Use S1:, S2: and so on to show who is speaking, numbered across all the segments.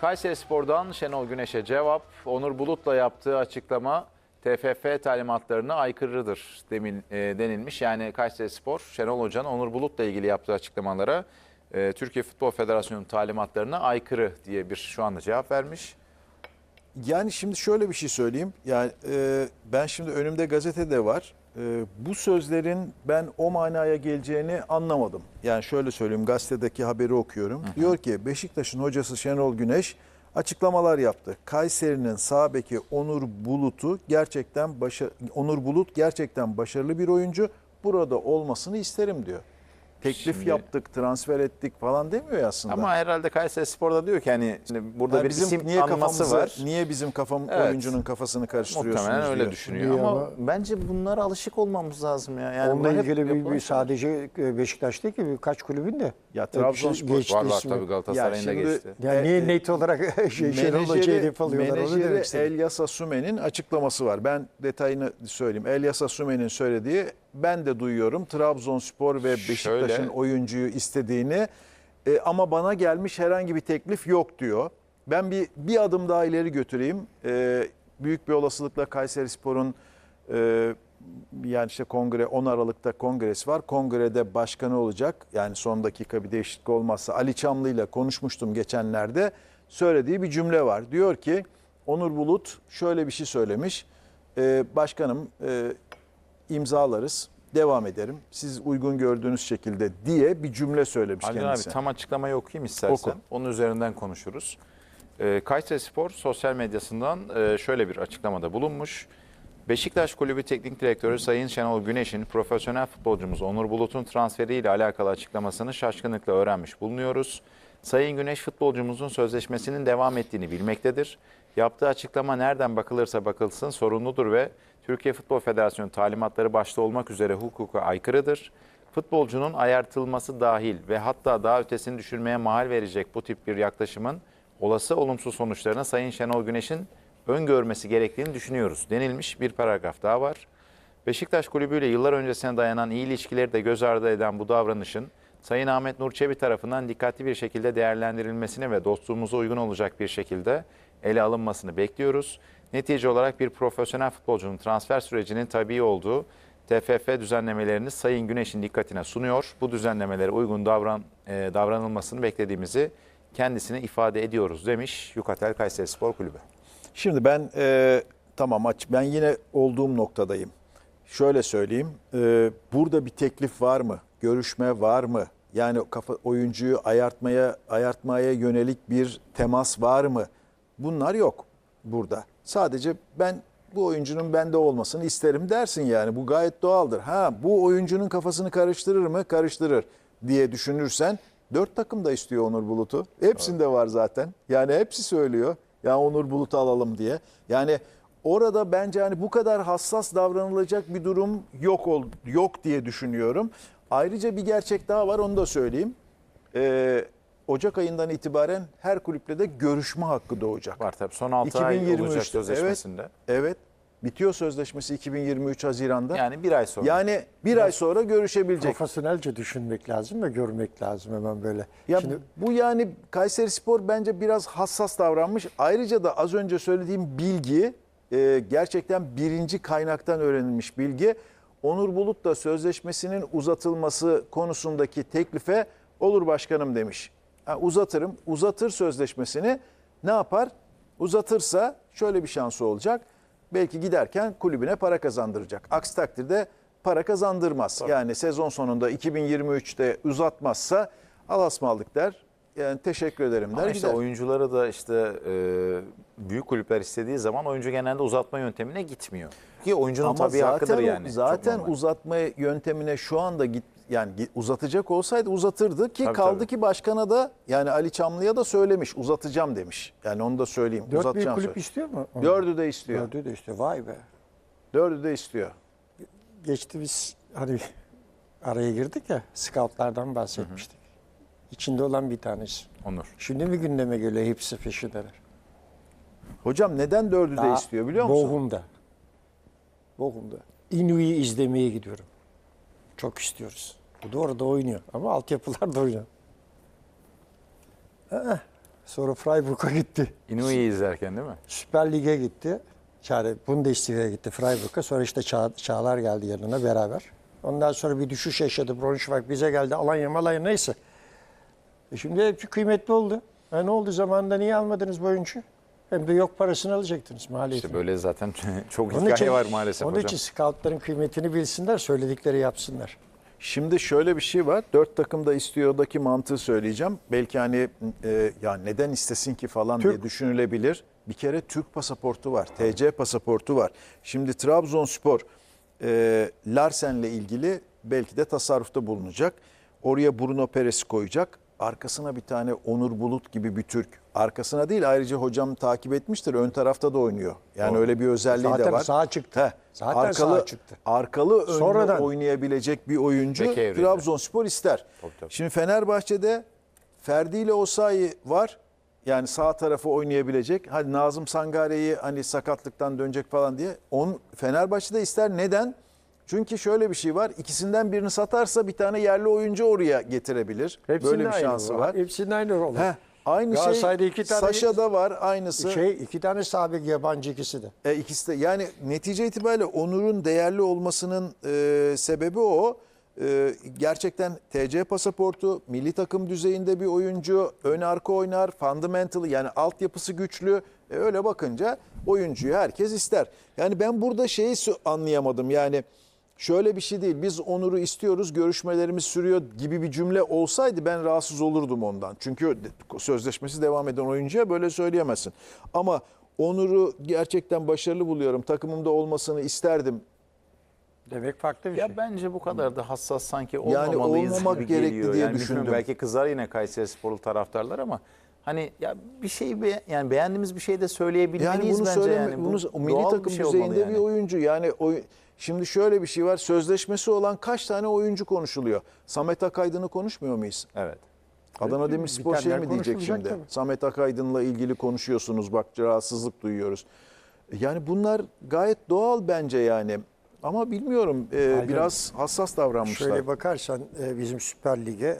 S1: Kayserispor'dan Şenol Güneş'e cevap. Onur Bulut'la yaptığı açıklama TFF talimatlarına aykırıdır denilmiş. Yani Kayserispor, Şenol Hoca'nın Onur Bulut'la ilgili yaptığı açıklamalara Türkiye Futbol Federasyonu'nun talimatlarına aykırı diye bir şu anda cevap vermiş.
S2: Yani şimdi şöyle bir şey söyleyeyim. Yani ben şimdi önümde gazetede var. Bu sözlerin ben o manaya geleceğini anlamadım. Yani şöyle söyleyeyim, gazetedeki haberi okuyorum. Diyor ki Beşiktaş'ın hocası Şenol Güneş açıklamalar yaptı. Kayseri'nin sağ beki Onur Bulut gerçekten başarılı bir oyuncu. Burada olmasını isterim diyor. Teklif
S1: Şimdi,
S2: yaptık, transfer ettik falan demiyor ya aslında.
S1: ama herhalde Kayserispor'da diyor ki hani şimdi burada
S2: Yani
S1: bir isim anması var.
S2: Niye bizim
S1: Evet.
S2: oyuncunun kafasını karıştırıyorsunuz
S1: Muhtemelen öyle
S2: diyor.
S1: düşünüyor ama bence bunlara alışık olmamız lazım ya. Yani
S3: Onunla
S1: bu hep
S3: ilgili bir
S1: yapılan şeyler.
S3: sadece Beşiktaş değil ki birkaç kulübün de.
S2: Ya Trabzonspor
S3: geçti
S1: var
S3: ismi.
S1: tabii Galatasaray'ın da
S2: Ya şimdi-
S1: geçti.
S3: Yani niye net olarak Şenol Hoca'yı hedef alıyorlar onu demek
S2: menajeri
S3: istedim.
S2: Elyas Asume'nin açıklaması var. Ben detayını söyleyeyim. Elyas Asume'nin söylediği, ben de duyuyorum Trabzonspor ve Beşiktaş'ın
S1: Şöyle-
S2: oyuncuyu istediğini ama bana gelmiş herhangi bir teklif yok diyor. Ben bir adım daha ileri götüreyim. Büyük bir olasılıkla Kayserispor'un yani işte 10 Aralık'ta kongresi var. Kongrede başkanı olacak. Yani son dakika bir değişiklik olmazsa Ali Çamlı ile konuşmuştum geçenlerde. Söylediği bir cümle var. Diyor ki Onur Bulut şöyle bir şey söylemiş. Başkanım imzalarız, devam ederim. Siz uygun gördüğünüz şekilde diye bir cümle söylemiş
S1: Haldun
S2: kendisi.
S1: abi tam açıklamayı okuyayım istersen.
S2: Oku.
S1: Onun üzerinden konuşuruz. Kayserispor sosyal medyasından şöyle bir açıklamada bulunmuş. Beşiktaş Kulübü Teknik Direktörü Sayın Şenol Güneş'in profesyonel futbolcumuz Onur Bulut'un transferiyle alakalı açıklamasını şaşkınlıkla öğrenmiş bulunuyoruz. Sayın Güneş futbolcumuzun sözleşmesinin devam ettiğini bilmektedir. Yaptığı açıklama nereden bakılırsa bakılsın sorumludur ve Türkiye Futbol Federasyonu talimatları başta olmak üzere hukuka aykırıdır. Futbolcunun ayartılması dahil ve hatta daha ötesini düşürmeye mahal verecek bu tip bir yaklaşımın olası olumsuz sonuçlarına Sayın Şenol Güneş'in öngörmesi gerektiğini düşünüyoruz denilmiş bir paragraf daha var. Beşiktaş Kulübü ile yıllar öncesine dayanan iyi ilişkileri de göz ardı eden bu davranışın Sayın Ahmet Nur Çebi tarafından dikkatli bir şekilde değerlendirilmesini ve dostluğumuza uygun olacak bir şekilde ele alınmasını bekliyoruz. Netice olarak bir profesyonel futbolcunun transfer sürecinin tabii olduğu TFF düzenlemelerini Sayın Güneş'in dikkatine sunuyor. Bu düzenlemelere uygun davranılmasını beklediğimizi kendisine ifade ediyoruz demiş Yukatel Kayserispor Kulübü.
S2: Şimdi ben ben yine olduğum noktadayım. Şöyle söyleyeyim. Burada bir teklif var mı? Görüşme var mı? Yani oyuncuyu ayartmaya yönelik bir temas var mı? Bunlar yok burada. Sadece ben bu oyuncunun bende olmasını isterim dersin yani. Bu gayet doğaldır. Bu oyuncunun kafasını karıştırır mı? Karıştırır diye düşünürsen 4 takım da istiyor Onur Bulut'u. Hepsinde var zaten. Yani hepsi söylüyor. Ya Onur Bulut'u alalım diye. Yani orada bence hani bu kadar hassas davranılacak bir durum yok diye düşünüyorum. Ayrıca bir gerçek daha var, onu da söyleyeyim. Ocak ayından itibaren her kulüple de görüşme hakkı doğacak.
S1: Var tabii. Son 6 ay olacak
S2: 2023'te,
S1: sözleşmesinde.
S2: Evet. Bitiyor sözleşmesi 2023 Haziran'da.
S1: Yani bir ay sonra.
S2: Yani bir ay sonra görüşebilecek.
S3: Profesyonelce düşünmek lazım ve görmek lazım hemen böyle.
S2: Ya
S3: Şimdi
S2: bu yani Kayserispor bence biraz hassas davranmış. Ayrıca da az önce söylediğim bilgi gerçekten birinci kaynaktan öğrenilmiş bilgi. Onur Bulut da sözleşmesinin uzatılması konusundaki teklife olur başkanım demiş. Uzatırım. Uzatır sözleşmesini, ne yapar? Uzatırsa şöyle bir şansı olacak. Belki giderken kulübüne para kazandıracak. Aksi takdirde para kazandırmaz.
S1: Tabii.
S2: Yani sezon sonunda 2023'te uzatmazsa alasmaldık der. Yani teşekkür ederim der.
S1: Ama işte
S2: gider.
S1: oyuncuları da işte büyük kulüpler istediği zaman oyuncu genelde uzatma yöntemine gitmiyor. Ki oyuncunun
S2: Ama
S1: tabii hakkıdır yani. Çok
S2: Zaten
S1: normal.
S2: uzatma yöntemine şu anda uzatacak olsaydı uzatırdı ki
S1: Tabii,
S2: kaldı
S1: tabii.
S2: ki başkana da yani Ali Çamlı'ya da söylemiş, uzatacağım demiş. Yani onu da söyleyeyim.
S3: 4 büyük
S2: uzatacağım
S3: kulüp
S2: söyle.
S3: istiyor mu?
S2: Dördü de istiyor.
S3: Dördü de istiyor. Vay be.
S2: Dördü de istiyor.
S3: Geçti biz hani araya girdik ya, scoutlardan bahsetmiştik. İçinde olan bir tanesi.
S1: Onur.
S3: Şimdi mi gündeme geliyor hepsi peşindeler?
S2: Hocam neden dördü de istiyor biliyor musun?
S3: Bochum'da. Inui'yi izlemeye gidiyorum. Çok istiyoruz. Bu da orada oynuyor ama altyapılar da oynuyor. Sonra Freiburg'a gitti.
S1: Inui'yi izlerken değil mi?
S3: Süper Lig'e gitti. Yani Bundesliga'ya gitti Freiburg'a. Sonra işte Çağlar geldi yanına beraber. Ondan sonra bir düşüş yaşadı. Braunschweig bize geldi. Alanya neyse. Şimdi hepsi kıymetli oldu. Ne oldu zamanında niye almadınız bu oyuncuyu? Hem de yok parasını alacaktınız maliyetini.
S1: İşte böyle zaten çok
S3: Onun
S1: hikaye
S3: için-
S1: var maalesef
S3: Onun
S1: hocam.
S3: için scoutların kıymetini bilsinler, söyledikleri yapsınlar.
S2: Şimdi şöyle bir şey var. 4 takım da istiyordaki mantığı söyleyeceğim. Belki hani ya neden istesin ki falan diye düşünülebilir. Bir kere Türk pasaportu var. TC pasaportu var. Şimdi Trabzonspor Larsen'le ilgili belki de tasarrufta bulunacak. Oraya Bruno Peres'i koyacak. Arkasına bir tane Onur Bulut gibi bir Türk. Arkasına değil, ayrıca hocam takip etmiştir. Ön tarafta da oynuyor. Yani öyle bir özelliği
S3: Zaten
S2: de var.
S3: sağa çıktı.
S2: Heh,
S3: Zaten sağa çıktı.
S2: Arkalı önlü
S3: Sonradan.
S2: oynayabilecek bir oyuncu
S1: Bek evrinde.
S2: Trabzonspor ister.
S1: Tabii.
S2: Şimdi Fenerbahçe'de Ferdi ile Osayi var. Yani sağ tarafı oynayabilecek. Hadi Nazım Sangare'yi hani sakatlıktan dönecek falan diye. Fenerbahçe'de ister. Neden? Çünkü şöyle bir şey var. İkisinden birini satarsa bir tane yerli oyuncu oraya getirebilir.
S3: Hepsinin
S2: Böyle bir
S3: aynı
S2: şansı
S3: bu.
S2: var.
S3: Hepsinin aynı olur.
S2: Aynı şey
S3: Galatasaray'da iki tane-
S2: Saşa'da var aynısı.
S3: İki tane sabit yabancı ikisi de.
S2: İkisi de yani netice itibariyle Onur'un değerli olmasının sebebi o. Gerçekten TC pasaportu, milli takım düzeyinde bir oyuncu, ön arka oynar, fundamental yani altyapısı güçlü. Öyle bakınca oyuncuyu herkes ister. Yani ben burada şeyi anlayamadım yani şöyle bir şey değil, biz Onur'u istiyoruz, görüşmelerimiz sürüyor gibi bir cümle olsaydı ben rahatsız olurdum ondan. Çünkü sözleşmesi devam eden oyuncuya böyle söyleyemezsin. Ama Onur'u gerçekten başarılı buluyorum, takımımda olmasını isterdim.
S3: Demek farklı bir şey.
S1: Ya bence bu kadar da hassas sanki
S2: Yani
S1: olmamalıyız
S2: olmamak
S1: gibi
S2: gerekli
S1: geliyor.
S2: diye
S1: Yani bilmiyorum,
S2: düşündüm.
S1: belki kızar yine Kayserisporlu taraftarlar ama hani ya bir şey yani beğendiğimiz bir şey de söyleyebilmeliyiz
S2: Yani bunu
S1: bence
S2: söyleme,
S1: yani. Bu
S2: bunu milli
S1: doğal
S2: takım
S1: şey olmalı
S2: düzeyinde
S1: yani.
S2: bir oyuncu. Yani şimdi şöyle bir şey var. Sözleşmesi olan kaç tane oyuncu konuşuluyor? Samet Akaydın'ı konuşmuyor muyuz?
S1: Evet.
S2: Adana Demirspor şey
S3: Bitenler
S2: mi diyecek
S3: konuşulacak
S2: şimdi?
S3: tabii.
S2: Samet Akaydın'la ilgili konuşuyorsunuz. Bak rahatsızlık duyuyoruz. Yani bunlar gayet doğal bence yani. Ama bilmiyorum biraz hassas davranmışlar.
S3: Şöyle bakarsan bizim Süper Lig'e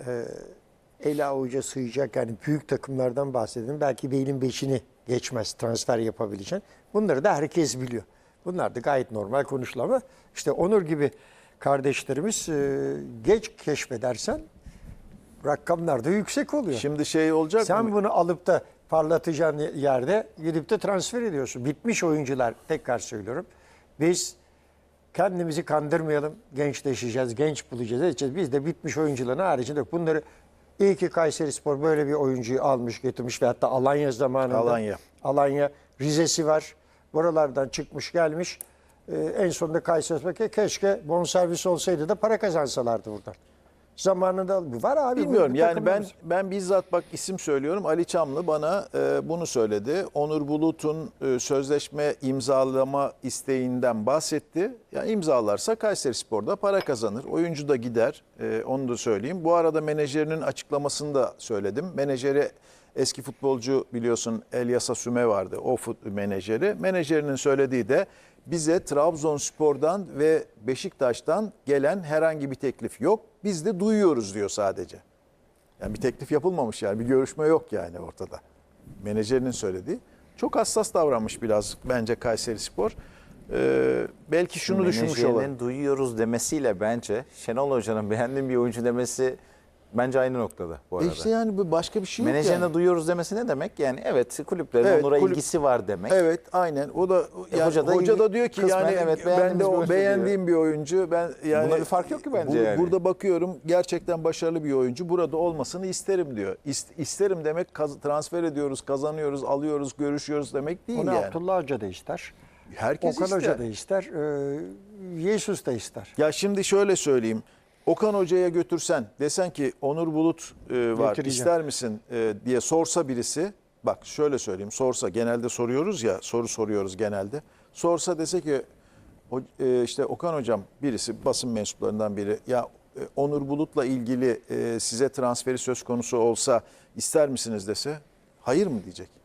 S3: el avuca sığacak yani büyük takımlardan bahsedelim. Belki Bey'in beşini geçmez transfer yapabileceğin. Bunları da herkes biliyor. Bunlar da gayet normal konuşulan ama işte Onur gibi kardeşlerimiz geç keşfedersen rakamlar da yüksek oluyor.
S2: Şimdi şey olacak
S3: Sen
S2: mı?
S3: bunu alıp da parlatacağın yerde gidip de transfer ediyorsun. Bitmiş oyuncular, tekrar söylüyorum. Biz kendimizi kandırmayalım, gençleşeceğiz, genç bulacağız, edeceğiz. Biz de bitmiş oyuncuların haricinde bunları iyi ki Kayserispor böyle bir oyuncuyu almış, getirmiş ve hatta Alanya zamanında. Alanya, Rize'si var. Buralardan çıkmış gelmiş. En sonunda Kayserispor keşke bonservis olsaydı da para kazansalardı buradan. Zamanında var abi.
S2: Bilmiyorum
S3: bu
S2: yani
S3: takımımız.
S2: ben bizzat bak isim söylüyorum. Ali Çamlı bana bunu söyledi. Onur Bulut'un sözleşme imzalama isteğinden bahsetti. Yani imzalarsa Kayserispor'da para kazanır. Oyuncu da gider. Onu da söyleyeyim. Bu arada menajerinin açıklamasını da söyledim. Menajeri eski futbolcu biliyorsun Elyasa Süme vardı. O menajeri. Menajerinin söylediği de bize Trabzonspor'dan ve Beşiktaş'tan gelen herhangi bir teklif yok. Biz de duyuyoruz diyor sadece. Yani bir teklif yapılmamış yani bir görüşme yok yani ortada. Menajerinin söylediği. Çok hassas davranmış biraz bence Kayserispor. Belki şunu düşünmüş olabilir.
S1: Menajerinin duyuyoruz demesiyle bence Şenol Hoca'nın beğendiğim bir oyuncu demesi bence aynı noktada bu arada.
S2: İşte yani başka bir şey yok
S1: Menajerine
S2: yani.
S1: duyuyoruz demesi ne demek? Yani evet kulüplerin
S2: Evet,
S1: Onur'a ilgisi var demek.
S2: Evet aynen. O da yani
S1: Hoca da
S2: diyor ki
S1: kısmen
S2: yani
S1: evet,
S2: ben de
S1: beğendiğimiz bir
S2: o
S1: oyuncu
S2: beğendiğim bir oyuncu. Ben yani
S1: Buna bir fark yok ki bence yani.
S2: Burada bakıyorum gerçekten başarılı bir oyuncu. Burada olmasını isterim diyor. İsterim demek transfer ediyoruz, kazanıyoruz, alıyoruz, görüşüyoruz demek değil
S3: Onu
S2: yani.
S3: Abdullah Hoca da ister.
S2: Herkes
S3: Okan
S2: ister.
S3: Hoca da ister. Jesus da ister.
S2: Ya şimdi şöyle söyleyeyim. Okan Hoca'ya götürsen desen ki Onur Bulut var
S3: Getireceğim.
S2: ister misin diye sorsa birisi, bak şöyle söyleyeyim, sorsa, genelde soruyoruz ya, soru soruyoruz genelde. Sorsa dese ki işte Okan Hocam, birisi basın mensuplarından biri, ya Onur Bulut'la ilgili size transferi söz konusu olsa ister misiniz dese hayır mı diyecek?